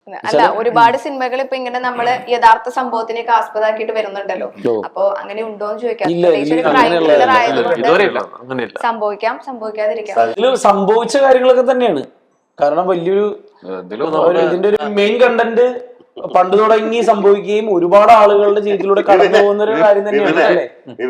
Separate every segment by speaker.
Speaker 1: അല്ല ഒരുപാട് സിനിമകൾ ഇപ്പൊ ഇങ്ങനെ നമ്മള് യഥാർത്ഥ സംഭവത്തിനൊക്കെ ആസ്പദമാക്കിയിട്ട് വരുന്നുണ്ടല്ലോ. അപ്പൊ അങ്ങനെ ഉണ്ടോന്ന് ചോദിക്കാം. സംഭവിക്കാം, സംഭവിക്കാതിരിക്കാം.
Speaker 2: സംഭവിച്ച കാര്യങ്ങളൊക്കെ തന്നെയാണ്. കാരണം വലിയൊരു ഇതിന്റെ ഒരു മെയിൻ കണ്ടന്റ് പണ്ട് തുടങ്ങി സംഭവിക്കുകയും ഒരുപാട് ആളുകളുടെ ജീവിതത്തിലൂടെ കടന്നു പോകുന്ന ഒരു കാര്യം തന്നെയാണ് അല്ലേ?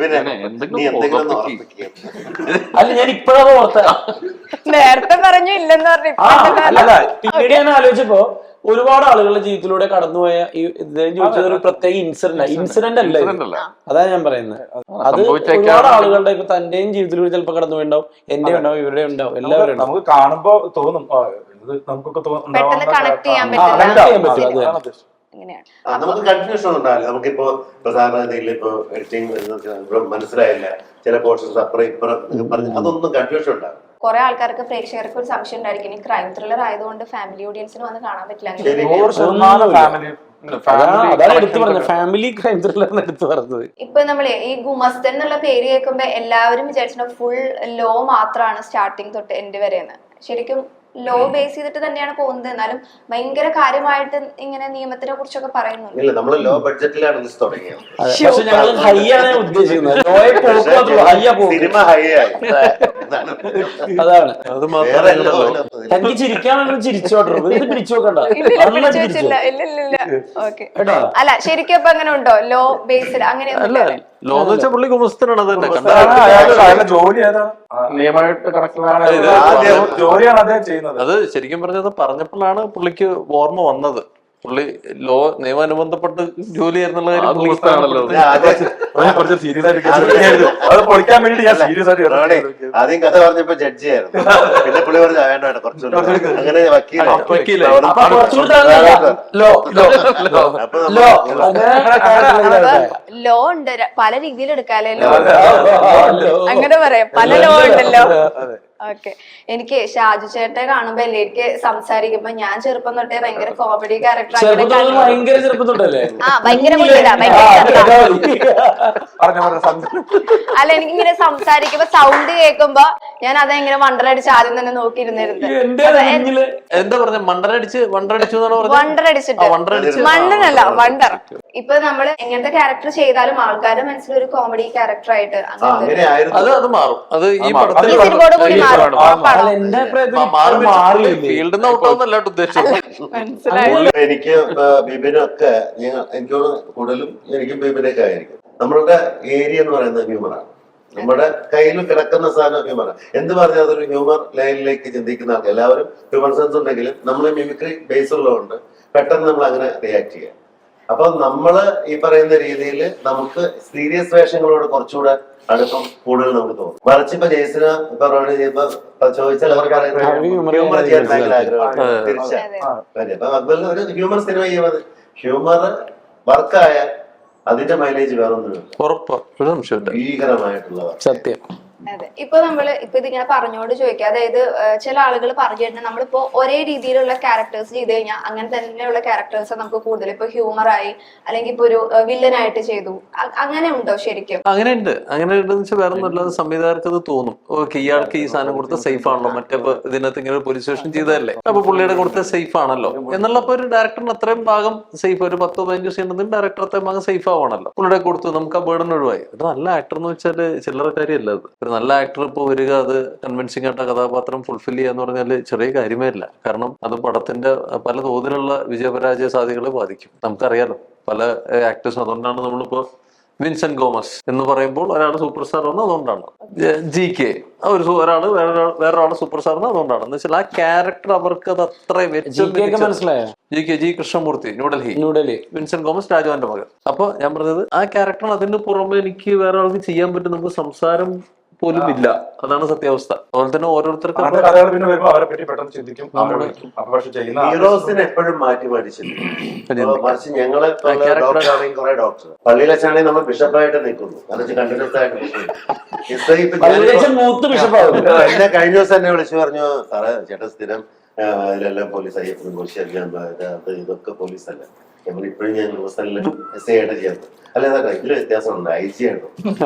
Speaker 2: അല്ല, ഞാൻ ഇപ്പോഴാണ് ഓർത്ത,
Speaker 1: നേരത്തെ പറഞ്ഞു ഇല്ലെന്ന് പറഞ്ഞു.
Speaker 2: അല്ല, പിന്നീട് ഞാൻ ആലോചിച്ചപ്പോ ഒരുപാട് ആളുകളുടെ ജീവിതത്തിലൂടെ കടന്നുപോയ ചോദിച്ചത് ഒരു പ്രത്യേക ഇൻസിഡന്റ് അല്ല, അതാ ഞാൻ പറയുന്നത്. അത് ഒരുപാട് ആളുകളുടെ ഇപ്പൊ തന്റെയും ജീവിതത്തിലൂടെ ചിലപ്പോ കടന്നു പോയിണ്ടാവും, എന്റെ ഉണ്ടാവും, ഇവരുടെ ഉണ്ടാവും, എല്ലാവരും നമുക്ക്
Speaker 3: കാണുമ്പോ തോന്നും നമുക്കൊക്കെ
Speaker 4: നമുക്ക് കൺഫ്യൂഷൻ ഉണ്ടാവില്ല. നമുക്കിപ്പോ സാധാരണ ഇപ്പൊ എഡിറ്റിംഗ് മനസ്സിലായില്ല, ചില പോർഷൻസ് അപ്പുറം ഇപ്പുറം പറഞ്ഞു, അതൊന്നും കൺഫ്യൂഷൻ ഉണ്ടാവും.
Speaker 1: കുറെ ആൾക്കാർക്ക് പ്രേക്ഷകർക്ക് ഒരു സംശയം ഉണ്ടായിരിക്കും, ഈ ക്രൈം ത്രില്ലർ ആയതുകൊണ്ട് ഫാമിലി ഓഡിയൻസിന് വന്ന് കാണാൻ പറ്റില്ല. ഇപ്പൊ നമ്മള് ഈ ഗുമസ്തൻ എന്നുള്ള പേര് കേൾക്കുമ്പോ എല്ലാവരും വിചാരിച്ചിട്ടുണ്ടോ ഫുൾ ലോ മാത്രമാണ് സ്റ്റാർട്ടിങ് തൊട്ട് എൻഡ് വരെയെന്ന്. ശരിക്കും ലോ ബേസ് ചെയ്തിട്ട് തന്നെയാണ് പോകുന്നത്. എന്നാലും ഭയങ്കര കാര്യമായിട്ട് ഇങ്ങനെ നിയമത്തിനെ കുറിച്ചൊക്കെ പറയുന്നുണ്ട്.
Speaker 4: നമ്മള് ലോ ബഡ്ജറ്റിലാണ് തുടങ്ങിയത്.
Speaker 2: അതാണ് തനിക്ക് ചിരിക്കാണെങ്കിലും ചിരിച്ചോട്ടെ, പിടിച്ചു നോക്കണ്ട.
Speaker 1: അല്ല ശരിക്കും ഇപ്പൊ അങ്ങനെ ഉണ്ടോ ലോ ബേസ്ഡ്? അങ്ങനെയൊന്നും
Speaker 5: ലോ എന്ന് വെച്ചാൽ പുള്ളി ഗുമസ്തനാണ്. അത് തന്നെ
Speaker 3: ജോലി നിയമമായിട്ട് ജോലിയാണ് അദ്ദേഹം ചെയ്യുന്നത്.
Speaker 5: അത് ശരിക്കും പറഞ്ഞത് പറഞ്ഞപ്പോഴാണ് പുള്ളിക്ക് ഓർമ്മ വന്നത്. പുള്ളി ലോ നിയമാനുബന്ധപ്പെട്ട് ജോലി ആയിരുന്നുള്ള കാര്യം
Speaker 4: ആദ്യം കഥ പറഞ്ഞപ്പോ ജഡ്ജി ആയിരുന്നു, പിന്നെ പുള്ളി പറഞ്ഞു വേണ്ട കുറച്ചുകൂടി അങ്ങനെ
Speaker 1: ലോ ഉണ്ട്, പല രീതിയിൽ എടുക്കാലോ. അങ്ങനെ പറയാം, പല ലോ ഉണ്ടല്ലോ. ഓക്കെ. എനിക്ക് ഷാജു ചേട്ടനെ കാണുമ്പോ എനിക്ക് സംസാരിക്കുമ്പോ ഞാൻ ചെറുപ്പം തൊട്ടേ ഭയങ്കര കോമഡി ക്യാരക്ടർ, അല്ല എനിക്കിങ്ങനെ സംസാരിക്കുമ്പോ സൗണ്ട് കേൾക്കുമ്പോ ഞാൻ അതെങ്ങനെ വണ്ടറടിച്ച് ആദ്യം തന്നെ നോക്കിയിരുന്നിരുന്നു.
Speaker 5: എന്താ പറഞ്ഞ വണ്ടറടിച്ചിട്ട്
Speaker 1: മണ്ണനല്ല വണ്ടർ. ഇപ്പൊ നമ്മള് എങ്ങനത്തെ ക്യാരക്ടർ ചെയ്താലും ആൾക്കാരുടെ മനസ്സിലൊരു കോമഡി ക്യാരക്ടർ ആയിട്ട്
Speaker 5: അത് മാറും. അത് ഈ
Speaker 1: സിനിമയോട് കൂടി മാറും.
Speaker 4: എനിക്ക് ബിബിനൊക്കെ എനിക്ക് കൂടുതലും എനിക്കും ബിബിനൊക്കെ ആയിരിക്കും. നമ്മളുടെ ഏരിയ എന്ന് പറയുന്നത് ഹ്യൂമറാണ്. നമ്മുടെ കയ്യിൽ കിടക്കുന്ന സാധനം ഹ്യൂമറാണ്. എന്ത് പറഞ്ഞാൽ അതൊരു ഹ്യൂമർ ലൈനിലേക്ക് ചിന്തിക്കുന്ന ആൾക്ക് എല്ലാവരും ഹ്യൂമർ സെൻസ് ഉണ്ടെങ്കിലും നമ്മൾ മിമിക്രി ബേസ് ഉള്ളതുകൊണ്ട് പെട്ടെന്ന് നമ്മൾ അങ്ങനെ റിയാക്ട് ചെയ്യാം. അപ്പൊ നമ്മള് ഈ പറയുന്ന രീതിയിൽ നമുക്ക് സീരിയസ് വേഷങ്ങളോട് കുറച്ചുകൂടെ അടുപ്പം കൂടുതൽ നമുക്ക് തോന്നും. മറിച്ച് ഇപ്പൊ ജയ്സിന് ഇപ്പൊ റോഡ് ചെയ്യുമ്പോ ചോദിച്ചാൽ അവർ പറയുന്നത് ഹ്യൂമർ ചെയ്യാൻ ഭയങ്കര ആഗ്രഹമാണ്. തീർച്ചയായും അപ്പൊ അക്ബറിന് ഒരു ഹ്യൂമർ സിനിമ ചെയ്യുന്നത് ഹ്യൂമർ വർക്കായ അതിന്റെ മൈലേജ് വേറൊന്നും ഭീകരമായിട്ടുള്ള
Speaker 2: സത്യം.
Speaker 1: അതെ. ഇപ്പൊ ഇതിങ്ങനെ പറഞ്ഞോണ്ട് ചോദിക്കുക, അതായത് ചില ആളുകൾ പറഞ്ഞു കഴിഞ്ഞാൽ നമ്മളിപ്പോ ഒരേ രീതിയിലുള്ള ക്യാരക്ടേഴ്സ് ചെയ്ത് കഴിഞ്ഞാൽ അങ്ങനെ തന്നെയുള്ള ക്യാരക്ടേഴ്സ് നമുക്ക് കൂടുതൽ ഇപ്പൊ ഹ്യൂമറായി അല്ലെങ്കിൽ ഇപ്പൊ ഒരു വില്ലനായിട്ട് ചെയ്തു, അങ്ങനെ ഉണ്ടോ ശരിക്കും?
Speaker 5: അങ്ങനെ ഉണ്ട്. അങ്ങനെ ഉണ്ടെന്ന് വെച്ചാൽ വേറെ ഒന്നുമില്ലാതെ സംവിധായകർക്ക് അത് തോന്നും, ഓക്കെ ഇയാൾക്ക് ഈ സാധനം കൊടുത്ത സേഫ് ആണല്ലോ, മറ്റേ ഇതിനകത്ത് ഇങ്ങനെ പോലീസ് സ്റ്റേഷൻ ചെയ്തതല്ലേ, അപ്പൊ പുള്ളിയുടെ കൊടുത്ത സേഫ് ആണല്ലോ എന്നുള്ളപ്പോ ഒരു ഡയറക്ടറിന് അത്രയും ഭാഗം സേഫ്, ഒരു 10-15 സീൻ ഉണ്ടെങ്കിൽ ഡയറക്ടർ അത്രയും ഭാഗം സേഫ് ആവണല്ലോ. പുള്ളിയുടെ കൊടുത്തു, നമുക്ക് ആ ബേർഡൻ ഒഴിവായി. ഒരു നല്ല ആക്ടർ എന്ന് വെച്ചാൽ ചില്ലറ കാര്യമല്ല. അത് നല്ല ആക്ടർ ഇപ്പൊ വരിക, അത് കൺവിൻസിംഗ് ആയിട്ട് കഥാപാത്രം ഫുൾഫിൽ ചെയ്യാന്ന് പറഞ്ഞാല് ചെറിയ കാര്യമേ ഇല്ല. കാരണം അത് പടത്തിന്റെ പല തോതിലുള്ള വിജയപരാജയ സാധ്യതകളെ ബാധിക്കും. നമുക്കറിയാലോ പല ആക്ടേഴ്സും. അതുകൊണ്ടാണ് നമ്മളിപ്പോ വിൻസെന്റ് ഗോമസ് എന്ന് പറയുമ്പോൾ ഒരാൾ സൂപ്പർ സ്റ്റാർ ആണ്, അതുകൊണ്ടാണ്. GK ഒരാള് വേറൊരാള് സൂപ്പർ സ്റ്റാർ ആണ്, അതുകൊണ്ടാണ്. എന്ന് വെച്ചാൽ ആ ക്യാരക്ടർ അവർക്ക് അത് അത്ര
Speaker 2: മനസ്സിലായോ?
Speaker 5: ജി കൃഷ്ണമൂർത്തി, ന്യൂഡൽഹി. വിൻസെന്റ് ഗോമസ്, രാജുവിന്റെ മകൻ. അപ്പൊ ഞാൻ പറഞ്ഞത് ആ ക്യാരക്ടർ അതിന് പുറമെ എനിക്ക് വേറെ ആൾക്ക് ചെയ്യാൻ പറ്റും. നമുക്ക് സംസാരം പോലും ഇല്ല, അതാണ് സത്യാവസ്ഥ. അതുപോലെ തന്നെ ഓരോരുത്തർക്കും
Speaker 4: ഹീറോസിനെ എപ്പോഴും മാറ്റി മറിച്ച് ഞങ്ങളെ കുറെ ഡോക്ടർ പള്ളിയിലാണെങ്കിൽ നമ്മൾ ബിഷപ്പായിട്ട് നിൽക്കുന്നു, കണ്ടിന്യൂസ് ആയിട്ട് എന്നെ കഴിഞ്ഞ ദിവസം എന്നെ വിളിച്ചു പറഞ്ഞു, സാറേ ചേട്ടൻ സ്ഥിരം ഇതിലെല്ലാം പോലീസ് അയ്യപ്പനും ഇതൊക്കെ പോലീസല്ല, ഇപ്പോഴും ഞാൻ ഹോസ്റ്റലിൽ എസ് ഐ ആയിട്ട് ചെയ്യുന്നത്. അല്ല അതാ ഇതില് വ്യത്യാസമുണ്ട്, IG ആണ്.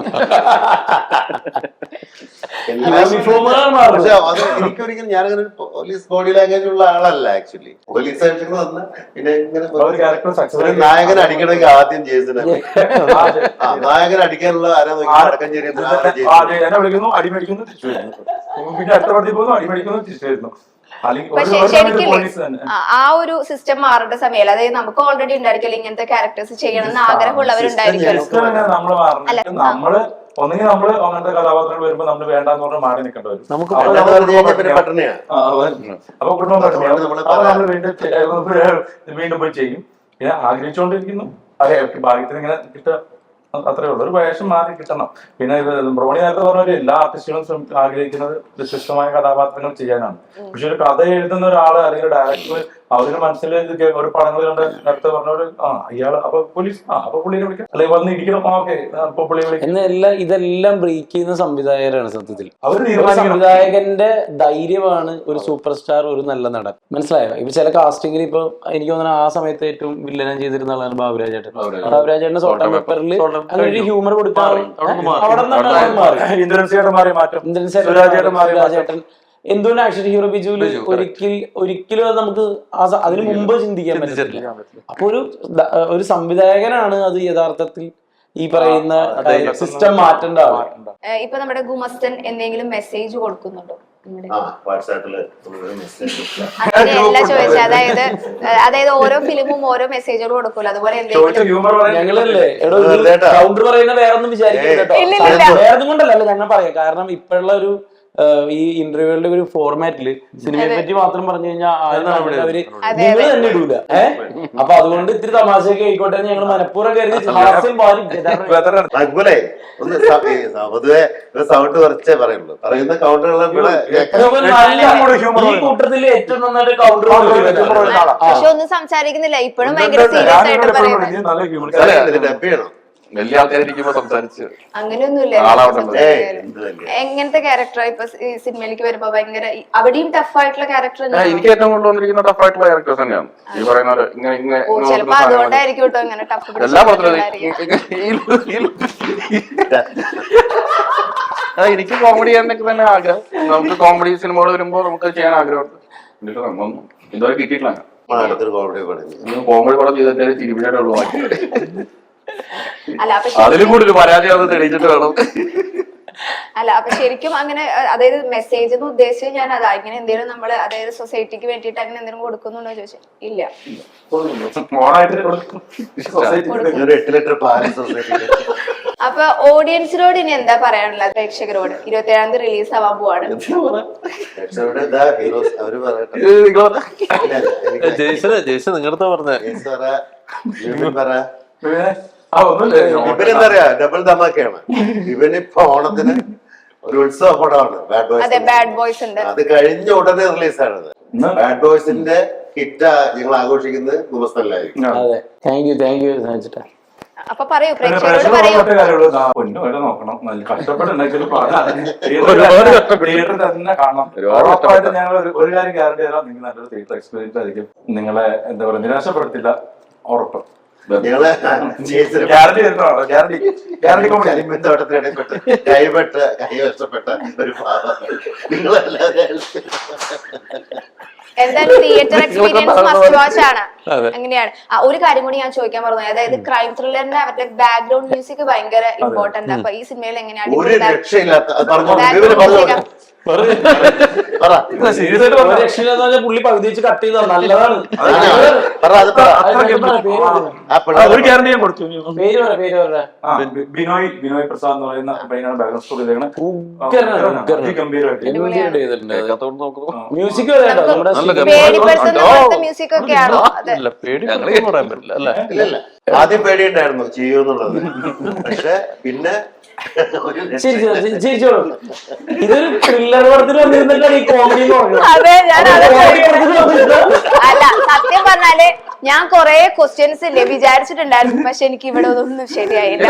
Speaker 4: പക്ഷെ അത് എനിക്കൊരിക്കലും ഞാനങ്ങനെ പോലീസ് ബോഡി ലാംഗ്വേജ് ഉള്ള ആളല്ല ആക്ച്വലി. പോലീസ് ആയിട്ട് വന്ന പിന്നെ ഇങ്ങനെ ഒരു നായകൻ അടിക്കണമെങ്കിൽ ആദ്യം ജേസനെ, നായകൻ അടിക്കാനുള്ള ആരാ അടക്കം
Speaker 3: എന്നെ വിളിക്കുന്നു, അടിമേടിക്കുന്നു, തിരിച്ചു വരുന്നു. പിന്നെ അടുത്ത പടത്തിൽ പോകുന്നു, അടിമേടിക്കുന്നു, തിരിച്ചു വരുന്നു.
Speaker 1: പക്ഷെ ശരിക്കും ആ ഒരു സിസ്റ്റം മാറേണ്ട സമയം, അതായത് നമുക്ക് ഓൾറെഡി ഉണ്ടായിരിക്കുമല്ലോ ഇങ്ങനത്തെ ക്യാരക്ടേഴ്സ് ചെയ്യണം എന്ന് ആഗ്രഹമുള്ളവരുണ്ടായിരിക്കുമല്ലോ.
Speaker 3: നമ്മള് ഒന്നെങ്കിൽ നമ്മള് അങ്ങനത്തെ കഥാപാത്രങ്ങൾ വരുമ്പോ നമ്മള് വേണ്ടാന്ന് പറഞ്ഞാൽ മാറി നിൽക്കേണ്ടി വരും.
Speaker 5: നമുക്ക്
Speaker 4: പട്ടണയാണ്.
Speaker 3: അപ്പൊ കുടുംബം പട്ടണയാണ്. അപ്പൊ നമ്മള് വീണ്ടും പോയി ചെയ്യും. പിന്നെ ആഗ്രഹിച്ചുകൊണ്ടിരിക്കുന്നു, അതെ ഭാഗ്യത്തിന് ഇങ്ങനെ കിട്ടുക, അത്രേ ഉള്ളൂ. ഒരു വേഷം മാറി കിട്ടണം. പിന്നെ ബ്രോണി നേരത്തെ പറഞ്ഞ എല്ലാ ആർട്ടിസ്റ്റുകളും ആഗ്രഹിക്കുന്നത് വ്യത്യസ്തമായ കഥാപാത്രങ്ങൾ ചെയ്യാനാണ്. പക്ഷെ ഒരു കഥ എഴുതുന്ന ഒരാള് അല്ലെങ്കിൽ ഡയറക്ടർ അവരുടെ മനസ്സിൽ ഒരു പടങ്ങൾ കണ്ട് നേരത്തെ പറഞ്ഞ ഇയാള് അപ്പൊ പോലീസ് അപ്പൊ പുള്ളിനെ വിളിക്കാം, അല്ലെങ്കിൽ വന്ന് ഇടിക്കണം, ഓക്കെ അപ്പൊ പുള്ളിയെ വിളിക്കാം
Speaker 2: എന്നെല്ലാം ഇതെല്ലാം ബ്രേക്ക് ചെയ്യുന്ന സംവിധായകരാണ് സത്യത്തിൽ.
Speaker 3: അവര്
Speaker 2: സംവിധായകന്റെ ധൈര്യമാണ് ഒരു സൂപ്പർ സ്റ്റാർ, ഒരു നല്ല നടൻ. മനസ്സിലായോ? ഇപ്പൊ ചില കാസ്റ്റിംഗിൽ ഇപ്പൊ എനിക്ക് തോന്നുന്നു ആ സമയത്ത് ഏറ്റവും വില്ലനം ചെയ്തിരുന്ന ആളാണ് ബാബുരാജേട്ടൻ. ബാബുരാജേട്ടന്റെ സോൾട്ട് ആൻഡ് പെപ്പറിൽ അങ്ങനെ ഒരു ഹ്യൂമർ കൊടുക്കാൻ അവിടെ നിന്നാണ് മാറി. സുരാജേട്ടൻ എന്തുകൊണ്ട് ആക്ഷൻ ഹീറോ ബിജുവില് ഒരിക്കലും അത് നമുക്ക് അതിനു മുമ്പ് ചിന്തിക്കാൻ പറ്റില്ല. അപ്പൊ ഒരു സംവിധായകനാണ് അത് യഥാർത്ഥത്തിൽ ഈ പറയുന്ന സിസ്റ്റം മാറ്റേണ്ട ആള്.
Speaker 1: ഇപ്പൊ നമ്മുടെ ഗുമസ്തൻ എന്തെങ്കിലും മെസ്സേജ് കൊടുക്കുന്നുണ്ടോ? അങ്ങനെയല്ല ചോദിച്ചത്, അതായത് ഓരോ ഫിലിമും ഓരോ മെസ്സേജുകൾ കൊടുക്കൂല, അതുപോലെ
Speaker 2: ഞങ്ങളല്ലേ കൗണ്ടർ പറയുന്ന വേറൊന്നും വിചാരിക്കില്ല. വേറൊന്നും കൊണ്ടല്ല ഞങ്ങൾ പറയാം. കാരണം ഇപ്പോഴുള്ള ഒരു ഈ ഇന്റർവ്യൂകളുടെ ഒരു ഫോർമാറ്റില് സിനിമയെ പറ്റി മാത്രം പറഞ്ഞു കഴിഞ്ഞാൽ അവര് നിങ്ങൾ തന്നെ ഇടൂല. അപ്പൊ അതുകൊണ്ട് ഇത്തിരി തമാശയൊക്കെ ആയിക്കോട്ടെ ഞങ്ങൾ മനഃപൂർവ്വം കരുതി
Speaker 4: അതുപോലെ ഒന്ന് പൊതുവെ സൗണ്ട് കുറച്ചേ പറയുള്ളൂ. പറയുന്ന കൗണ്ടറുകളെ
Speaker 2: ഈ കൂട്ടത്തില് ഏറ്റവും നന്നായിട്ട് കൗണ്ടർ
Speaker 1: പക്ഷെ ഒന്നും സംസാരിക്കുന്നില്ല, ഇപ്പോഴും ഭയങ്കര സീരിയസ് ആയിട്ട് പറയുന്നത്.
Speaker 4: ഡബ് ചെയ്യണം.
Speaker 6: വലിയ ആൾക്കാരിക്കുമ്പോ സംസാരിച്ച്
Speaker 1: അങ്ങനെയൊന്നുമില്ല. എങ്ങനത്തെ ക്യാരക്ടർ ഇപ്പൊ സിനിമയിലേക്ക് വരുമ്പോ ഭയങ്കര അവിടെയും ടഫ് ആയിട്ടുള്ള ക്യാരക്ടർ?
Speaker 6: എനിക്ക് ഏറ്റവും കൊണ്ടുവന്നിരിക്കുന്ന ടഫ് ആയിട്ടുള്ള ക്യാരക്ടേഴ്സ് തന്നെയാണ് ഈ പറയുന്ന ഇങ്ങനെ
Speaker 1: ചിലപ്പോ അതുകൊണ്ടായിരിക്കും കേട്ടോ ഇങ്ങനെ ടഫ്.
Speaker 6: എല്ലാ പത്രത്തിലും എനിക്ക് കോമഡി ചെയ്യാനൊക്കെ തന്നെ ആഗ്രഹം. നമുക്ക് കോമഡി സിനിമകൾ വരുമ്പോ നമുക്ക് ചെയ്യാൻ ആഗ്രഹമുണ്ട്. ഇതുവരെ കിട്ടിയിട്ടില്ല. കോമഡി പടം ചെയ്തിട്ട് തിരുവിഴയുള്ളൂ. അതിലും കൂടുതൽ പരാജയം തെളിയിച്ചിട്ട് വേണം.
Speaker 1: അല്ല അപ്പൊ ശരിക്കും അങ്ങനെ അതായത് മെസ്സേജ് എന്ന് ഉദ്ദേശിച്ച് ഞാൻ അതാ ഇങ്ങനെ എന്തെങ്കിലും നമ്മള് അതായത് സൊസൈറ്റിക്ക് വേണ്ടിയിട്ട് അങ്ങനെ എന്തെങ്കിലും കൊടുക്കുന്നുണ്ടോ ചോദിച്ചാൽ ഇല്ല. അപ്പൊ ഓഡിയൻസിനോട് ഇനി എന്താ പറയാനുള്ളത്? പ്രേക്ഷകരോട് 27-ാം തീയതി റിലീസ് ആവാൻ പോവാണ്.
Speaker 5: ജയ്സൺ നിങ്ങളുടെ പറഞ്ഞ
Speaker 4: ഇവനെന്താ പറയാ, ഡബിൾ ധമാക്കയാണ്. ഇവനിപ്പോ ഓണത്തിന് ഒരു ഉത്സവ പടമാണ് ബാഡ് ബോയ്സ്. അത് കഴിഞ്ഞ ഉടനെ റിലീസാണത്. ബാഡ് ബോയ്സിന്റെ ഹിറ്റ് ഞങ്ങൾ ആഘോഷിക്കുന്നത് ഗുമസ്തനിലായിരിക്കും.
Speaker 1: അപ്പൊ പറയൂ, പ്രേക്ഷകരോട് പറയൂ.
Speaker 3: നോക്കണം, കഷ്ടപ്പെട്ടുണ്ടാക്കിയാലും തിയേറ്റർ തന്നെ കാണണം. ഉറപ്പായിട്ട് ഞങ്ങൾ ഒരു കാര്യം ഗ്യാരണ്ടി തരാം, നിങ്ങൾ നല്ലൊരു തിയേറ്റർ എക്സ്പീരിയൻസ് ആയിരിക്കും. നിങ്ങളെ എന്താ പറയുക നിരാശപ്പെടുത്തില്ല, ഉറപ്പ്.
Speaker 4: കൈവശപ്പെട്ട ഒരു
Speaker 1: എന്തായാലും തിയേറ്റർ എക്സ്പീരിയൻസ് മസ്റ്റ് വാച്ച് ആണ്. അങ്ങനെയാണ്. ഒരു കാര്യം കൂടി ഞാൻ ചോദിക്കാൻ പറഞ്ഞു, അതായത് ക്രൈം ത്രില്ലറിന്റെ അവരുടെ ബാക്ക്ഗ്രൗണ്ട് മ്യൂസിക് ഭയങ്കര ഇമ്പോർട്ടന്റ്. അപ്പൊ ഈ സിനിമയിൽ എങ്ങനെയാണ്
Speaker 2: പുള്ളി പകുതി വെച്ച് കട്ട് ചെയ്ത നല്ലതാണ്.
Speaker 3: ഒരു ഗ്യാരണ്ടി ഞാൻ കൊടുത്തു.
Speaker 2: ബിനോയ്
Speaker 3: പ്രസാദ് എന്ന് പറയുന്ന പയ്യനാണ് ബാക്ക്ഗ്രൗണ്ട് സ്കോർ ചെയ്തേക്കണേ.
Speaker 2: മ്യൂസിക്
Speaker 1: മ്യൂസിക് ഒക്കെയാണോ?
Speaker 4: ആദ്യം പേടിയുണ്ടായിരുന്നു ചെയ്യുന്നുള്ളത്, പക്ഷെ പിന്നെ
Speaker 2: ഇതൊരു ത്രില്ലർ പടത്തിൽ വന്നിരുന്നിട്ടാണ് ഈ കോമഡി.
Speaker 1: അല്ല സത്യം പറഞ്ഞാല് ഞാൻ കൊറേ ക്വസ്റ്റ്യൻസ് ഇല്ലേ വിചാരിച്ചിട്ടുണ്ടായിരുന്നു, പക്ഷെ എനിക്ക് ഇവിടെ ഒന്നും ശരിയായില്ല.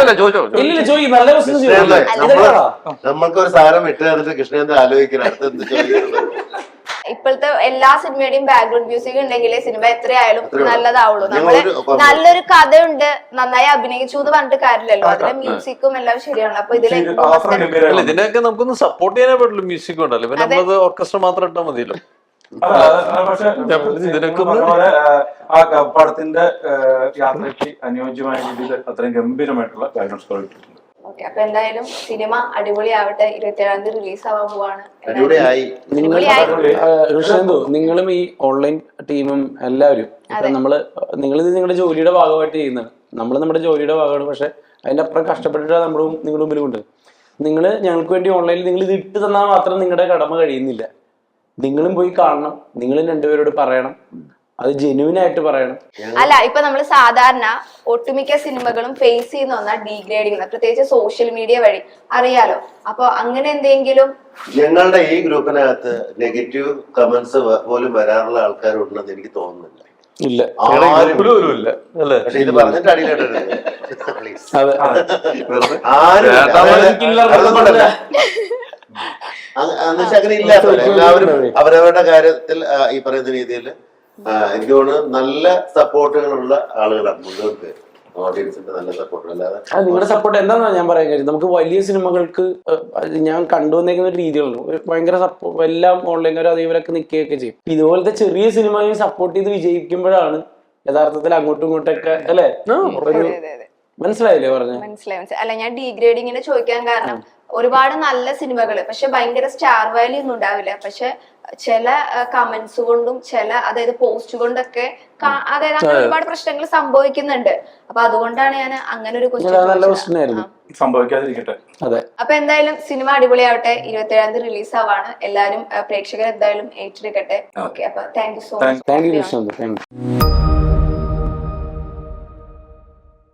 Speaker 4: നമ്മൾക്കൊരു സാധനം ഇട്ട് തന്നിട്ട് കൃഷ്ണേന്ദ്ര ആലോചിക്കണം അടുത്ത് എന്ത് ചോദിക്കുന്നത്.
Speaker 1: ഇപ്പോഴത്തെ എല്ലാ സിനിമയുടെയും ബാക്ക്ഗ്രൗണ്ട് മ്യൂസിക് ഉണ്ടെങ്കിലേ സിനിമ എത്രയായാലും
Speaker 4: അത്രേ ഉള്ളൂ.
Speaker 1: നല്ലതാവുള്ളൂ.
Speaker 4: ഞങ്ങൾ
Speaker 1: നമ്മള്
Speaker 4: ഒരു-
Speaker 1: നല്ലൊരു കഥയുണ്ട്, നന്നായി അഭിനയിച്ചു എന്ന് പറഞ്ഞിട്ട് കാര്യമില്ലല്ലോ. അതിലെ മ്യൂസിക്കും എല്ലാം ശരിയാണ്. അപ്പൊ ഇതിലെ
Speaker 3: അത്ര
Speaker 5: അല്ല
Speaker 3: ഗംഭീരമാണ്.
Speaker 5: ഇതിനെയൊക്കെ നമുക്കൊന്ന് സപ്പോർട്ട് ചെയ്യാനേ പറ്റുള്ളൂ. മ്യൂസിക് ഉണ്ടല്ലോ, പിന്നെ നമ്മളത് ഓർക്കസ്ട്ര മാത്രം ഇട്ടാൽ മതിയല്ലോ.
Speaker 3: പക്ഷെ
Speaker 5: ഇതിനൊക്കെ
Speaker 3: പറഞ്ഞ ആ പടത്തിന്റെ യാത്രയ്ക്ക് അനുയോജ്യമായ രീതിയിൽ അത്രയും ഗംഭീരമായിട്ടുള്ള ബാക്ക്ഗ്രൗണ്ട് സ്കോർ ഇട്ടിട്ടുണ്ട്.
Speaker 1: ഓക്കെ, അപ്പൊ എന്തായാലും സിനിമ അടിപൊളിയാവട്ടെ. 27-ാം തീയതി റിലീസ് ആവാൻ പോവാണ്.
Speaker 4: അടിപൊളിയായി.
Speaker 2: കൃഷ്ണന്തു, നിങ്ങളും ഈ ഓൺലൈൻ ടീമും എല്ലാവരും ഇപ്പൊ നിങ്ങളിത് നിങ്ങളുടെ ജോലിയുടെ ഭാഗമായിട്ട് ചെയ്യുന്നതാണ്. നമ്മൾ നമ്മുടെ ജോലിയുടെ ഭാഗമാണ്. പക്ഷെ അതിന്റെ അപ്പുറം കഷ്ടപ്പെട്ടിട്ട് നമ്മളും നിങ്ങളുടെ മുമ്പിലുണ്ട്. നിങ്ങൾ ഞങ്ങൾക്ക് വേണ്ടി ഓൺലൈനിൽ നിങ്ങൾ ഇത് ഇട്ട് തന്നാൽ മാത്രം നിങ്ങളുടെ കടമ കഴിയുന്നില്ല. നിങ്ങളും പോയി കാണണം, നിങ്ങളും രണ്ടുപേരോട് പറയണം, അത് ജെന്യൂൻ ആയിട്ട് പറയണം.
Speaker 1: അല്ല, ഇപ്പൊ നമ്മൾ സാധാരണ ഒട്ടുമിക്ക സിനിമകളും ഫേസ് ചെയ്യുന്ന ഒന്നാ ഡീഗ്രേഡിങ്, പ്രത്യേകിച്ച് സോഷ്യൽ മീഡിയ വഴി അറിയാലോ. അപ്പൊ അങ്ങനെ എന്തെങ്കിലും
Speaker 4: ഞങ്ങളുടെ ഈ ഗ്രൂപ്പിനകത്ത് നെഗറ്റീവ് കമന്റ്സ് പോലും വരാറുള്ള ആൾക്കാരുണ്ടെന്ന് എനിക്ക് തോന്നുന്നില്ല.
Speaker 2: ഇല്ല,
Speaker 4: ആരും
Speaker 5: ഇല്ല അല്ലേ?
Speaker 4: പക്ഷെ ഇത് പറഞ്ഞിട്ട് അടിയിലിടരുത്.
Speaker 2: അതെ.
Speaker 4: ആരും അതുകൊണ്ടല്ല. എന്നുവെച്ചാൽ അങ്ങനെ ഇല്ലാത്തത്. എല്ലാവരും അവരവരുടെ കാര്യത്തിൽ ഈ പറയുന്ന രീതിയിൽ എനിക്ക് തോന്നുന്നു നല്ല സപ്പോർട്ടുകളുള്ള ആളുകളാണ് മുഴുവൻ പേര്. ഓഡിയൻസിന്റെ നല്ല സപ്പോർട്ട്. അല്ലാതെ
Speaker 2: നിങ്ങളുടെ സപ്പോർട്ട് എന്താണെന്ന് ഞാൻ പറയാൻ കാര്യം, നമുക്ക് വലിയ സിനിമകൾക്ക് ഞാൻ കണ്ടുവന്നേക്കുന്ന ഒരു രീതികളുണ്ട്. ഭയങ്കര സപ്പോർട്ട്, എല്ലാം ഓൺലൈൻകാരും അതേവരൊക്കെ നിൽക്കുകയൊക്കെ ചെയ്യും. ഇതുപോലത്തെ ചെറിയ സിനിമയും സപ്പോർട്ട് ചെയ്ത് വിജയിക്കുമ്പോഴാണ് യഥാർത്ഥത്തിൽ അങ്ങോട്ടും ഇങ്ങോട്ടൊക്കെ അല്ലെ ഒരു മനസ്സിലായില്ലേ പറഞ്ഞത്?
Speaker 1: മനസ്സിലായി. അല്ല, ഞാൻ ഡീഗ്രേഡിങ്ങിനെ ചോദിക്കാൻ കാരണം ഒരുപാട് നല്ല സിനിമകള് പക്ഷെ ഭയങ്കര സ്റ്റാർ വാല്യൂ ഒന്നും ഉണ്ടാവില്ല. പക്ഷെ ചില കമന്റ്സ് കൊണ്ടും അതായത് പോസ്റ്റ് കൊണ്ടൊക്കെ അതായത് അങ്ങനെ ഒരുപാട് പ്രശ്നങ്ങൾ സംഭവിക്കുന്നുണ്ട്. അപ്പൊ അതുകൊണ്ടാണ് ഞാൻ അങ്ങനെ ഒരു
Speaker 2: നല്ല ക്വസ്റ്റ്യനായിരുന്നു.
Speaker 3: സംഭവിക്കാതിരിക്കട്ടെ.
Speaker 2: അതെ.
Speaker 1: അപ്പൊ എന്തായാലും സിനിമ അടിപൊളിയാവട്ടെ. 27-ാം തീയതി റിലീസ് ആവാണ്. എല്ലാരും പ്രേക്ഷകർ എന്തായാലും ഏറ്റെടുക്കട്ടെ. ഓക്കെ, അപ്പൊ thank you so much.
Speaker 2: Thank you Krishna. Thank U.